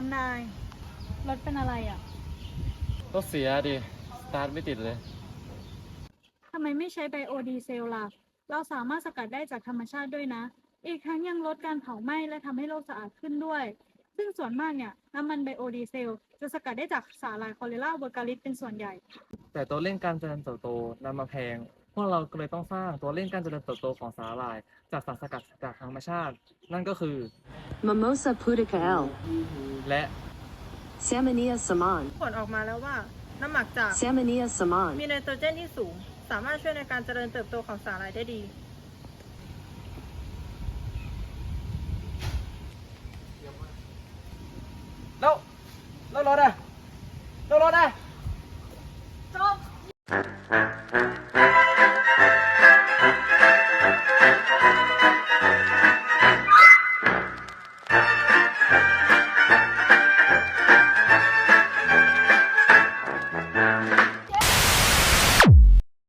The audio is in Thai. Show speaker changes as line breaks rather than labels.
นายรถเป็นอะไรอ่ะ
รถเสียดิสตาร์ทไม่ติดเลย
ทำไมไม่ใช้ไบโอดีเซลล่ะเราสามารถสกัดได้จากธรรมชาติด้วยนะอีกทั้งยังลดการเผาไหม้และทำให้โลกสะอาดขึ้นด้วยซึ่งส่วนมากเนี่ยน้ำมันไบโอดีเซลจะสกัดได้จากสาหร่ายคอเรลาเวอร์กาลิสเป็นส่วนใหญ่
แต่ตัวเร่งการเจริญเติบโตนำมาแพงพวกเราก็เลยต้องสร้างตัวเร่งการเจริญเติบโตของสาหร่ายจากสารสกัดจากธรรมชาตินั่นก็คือ
Mimosa pudica L.
และ
Salmonia saman.
ผลออกมาแล้วว่าน้ำหมักจาก
Salmonia saman.
มีไนโตรเจนที่สูง สามารถช่วยในการเจริญเติบโตของสาหร่ายได้ดี
แล้วรถอะแล้วรถอะ
จบ